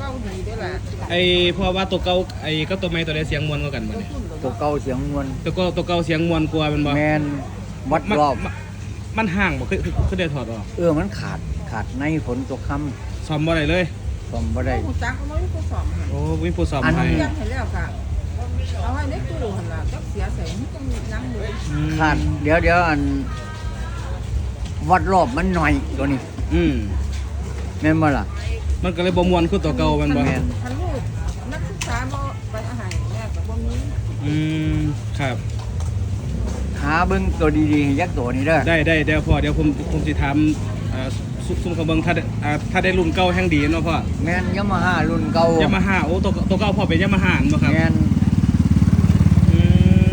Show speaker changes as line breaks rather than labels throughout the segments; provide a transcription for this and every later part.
ดีด้วยแหละ
ไอ้เพราะว่าตัวเก่าไอ้ก็ตัวใหม่ตัวใดเสียงมวนกว่ากันบ่เนี่ย
ตัวเก่าเสียงมวล
ตัวเก่าเสียงมวนกว่าแมันบ่
แมนวัดรอบ
มันห่างบ่คือได้ถอดออก
มันขาดในฝนตกค่
ซ่อมบ่ได้เลย
ำซ่อมบ่ได้
ผู้จักก็ไม่มีผู้สอบค่ะ
โอ้มีผู้ซ่อม
อัน
ให้
เรียนให้แล้วค่ะเอาให้ในตู้หันละจักเสียใส่มันต้องนั่งเลย
ขาดเดี๋ยวอัน วัดรอบมันหน่อยตัวนี้
อืม
แม่นบ่ล่ะ
มันก็เลยบ่ม่วนคือตัวเก่าแมันบ่
แม่น
ท่านลูกนักศึกษาบ่ไปอาหารแม่กับบ่มี
อืมครับ
หาเบิ่งตัวดีๆให้ยักษ์ตัวนี้เด้อ
ได้พ่อเดี๋ยวผมสิถามซุ่มเขาเบิ่งถ้าได้รุ่นเก่าแห่งดีเนาะพ่อ
แม่นยามาฮ่ารุ่นเก่าย
ามาฮ่าโอ้ตัวเก่าพ่อเป็นยามาฮ่าบ่ครับ
แม่น
อืม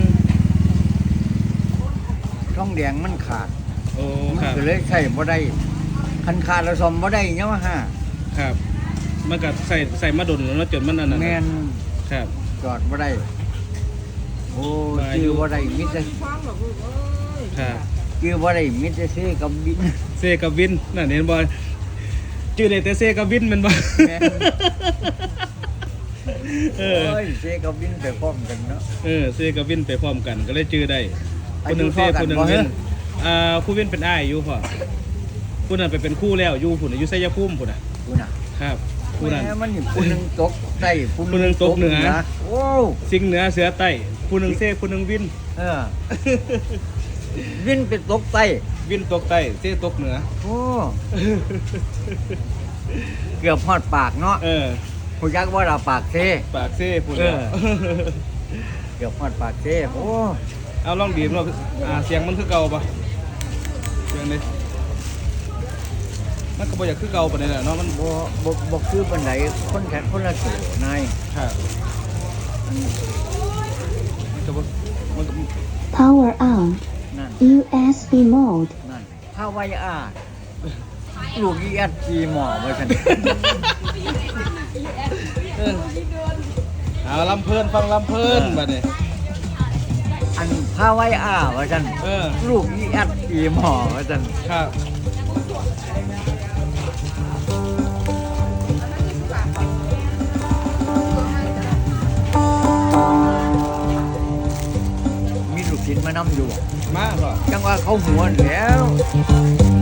ช่องแดงมันขาด
โอ้
มั
คน รับ
ก็เลยใช้บ่ได้คันขาดแล้วซ่อมบ่ได้ยามาฮ่า
ครับ มันก็ใส่มาดนแล้วเนาะจนมันอันนั้น
แม่น
ครับ
จอดบ่ได้โอ้
มาอยู่
ชื่อบ่ได้มิตร
ฟ้องหรอกลูกเอ้ย
ครับ
ชื่อบ่ได้มิตรซื้อกับบิน
เซกับวินนั่นเห็นบ่ชื่อได้แต่เซกับวินแมันบ่
แม่น
เอ
โอ้
อย
เซกับบินไปพร้อมกันเนาะ
เซกับวินไปพร้อมกันก็เลยชื่อได้
อา
คนห
ยุ
นึงเซ
เท่ากัน
คนหนึง
บ่
วิ
เฮ้
น ครูวินเป็นอ้ายอยู่พ่อผู้นั้นไปเป็นครู่แล้วอยู่พุ่นน่ะอยู่ไสยภูมิพุ่นน่ะ
กูน่ะ
ครับผู้นั้น
แม่มันนี่ผู้หนึงตกใต้
ผู้หนึ่งตกเหนือ
โอ้
สิงห์เหนือเสือใต้ผู้หนึงเซผู้หนึงวิน
เออวินไปตกใต้
วินตกใต้เซตกเหนือ
โอ้เกือบฮอดปากเนาะ
เออ
ผู้ยักว่าเราปากเซ
ปากเซพุ่น
เอ
แล้ว
อ เกือบฮอดปากเซโอ้
เอาลองดีดว่าเสียงมันคือเก่าปะเสียงนี้มันก็บ่อยากคือเก่าปานใดแหละเนาะมัน
บ่คือปานใดคนแขนคนละโตนาย
ครับมันก็บ่มันก็
Power on.
นั่น
USB mode.
นั่นถ้าไวอาลูกอีแอดจีหมอว่าซั่น
เอาลำเพลินฟังลำเพลินบัดนี้
อันถ้าไวอาว่าซั่น
เออ
ลูกอีแอดจีหมอว่าซั่น
ครับ
มีลูกชิ้นมานำอยู่
มาบ่
จังว่าเขาหัวแล้ว